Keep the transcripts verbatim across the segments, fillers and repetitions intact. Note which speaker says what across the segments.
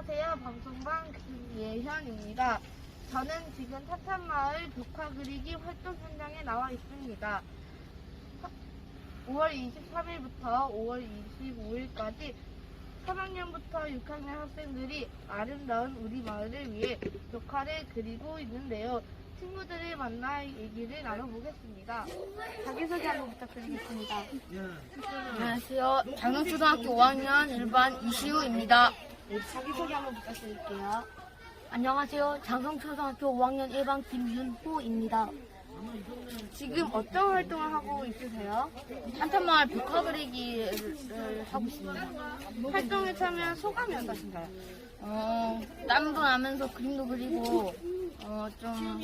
Speaker 1: 안녕하세요. 방송반 김예현입니다. 저는 지금 타탄마을 벽화 그리기 활동 현장에 나와 있습니다. 오월 이십삼일부터 오월 이십오일까지 삼 학년부터 육 학년 학생들이 아름다운 우리 마을을 위해 벽화를 그리고 있는데요. 친구들을 만나 얘기를 나눠보겠습니다. 자기소개 한번 부탁드리겠습니다.
Speaker 2: 안녕하세요. 장흥초등학교 오 학년 일 반 이시우입니다.
Speaker 1: 네, 자기소개 한번 부탁드릴게요.
Speaker 2: 안녕하세요. 장성초등학교 오 학년 일 반 김윤호입니다.
Speaker 1: 지금 어떤 활동을 하고 있으세요?
Speaker 2: 한탄마을 벽화 그리기를 하고 있습니다.
Speaker 1: 활동에 참여한 소감이 어떠신가요?
Speaker 2: 어, 땀도 나면서 그림도 그리고 어, 좀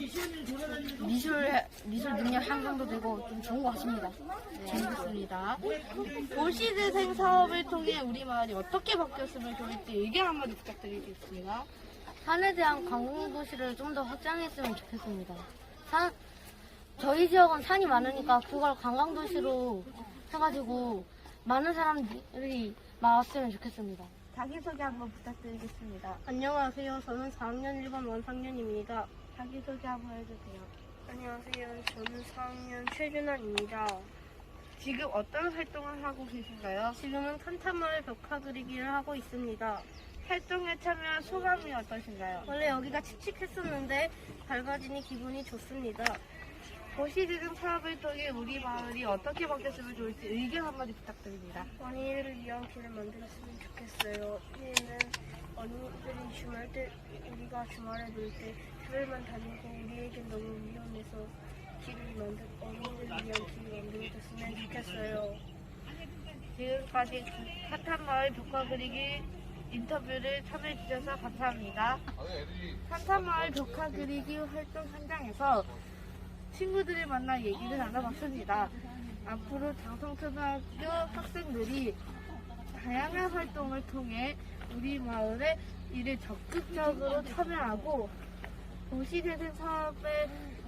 Speaker 2: 미술 미술 능력 향상도 되고 좀 좋은 것 같습니다.
Speaker 1: 재밌습니다. 도시재생 사업을 통해 우리 마을이 어떻게 바뀌었으면 좋을지 의견 한마디 부탁드리겠습니다.
Speaker 2: 산에 대한 관광도시를 좀 더 확장했으면 좋겠습니다. 산, 저희 지역은 산이 많으니까 그걸 관광도시로 해가지고 많은 사람들이 나왔으면 좋겠습니다.
Speaker 1: 자기소개 한번 부탁드리겠습니다.
Speaker 2: 안녕하세요. 저는 사 학년 일 반 원상년입니다.
Speaker 1: 자기소개 한번 해주세요.
Speaker 2: 안녕하세요. 저는 사 학년 최준환입니다.
Speaker 1: 지금 어떤 활동을 하고 계신가요?
Speaker 2: 지금은 탄탄마을 벽화 그리기를 하고 있습니다.
Speaker 1: 활동에 참여한 소감이 어떠신가요?
Speaker 2: 원래 여기가 칙칙했었는데 밝아지니 기분이 좋습니다.
Speaker 1: 도시재생 사업을 통해 우리 마을이 어떻게 바뀌었으면 좋을지 의견 한마디 부탁드립니다.
Speaker 2: 언니를 위한 길을 만들었으면 좋겠어요. 우리는 언니들이 주말 때, 우리가 주말에 놀 때 집에만 다니고 우리에겐 너무 위험해서 길을 만들, 언니들을 위한 길을 만들어줬으면 좋겠어요.
Speaker 1: 지금까지 탄탄마을 벽화 그리기 인터뷰를 참여해주셔서 감사합니다. 탄탄마을 벽화 그리기 활동 현장에서 친구들을 만나 얘기를 나눠봤습니다. 앞으로 장성초등학교 학생들이 다양한 활동을 통해 우리 마을의 일에 적극적으로 참여하고 도시재생 사업에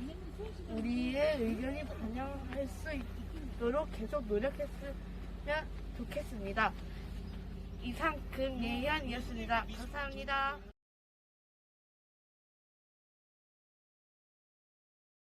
Speaker 1: 우리의 의견이 반영할 수 있도록 계속 노력했으면 좋겠습니다. 이상 금예현이었습니다. 감사합니다.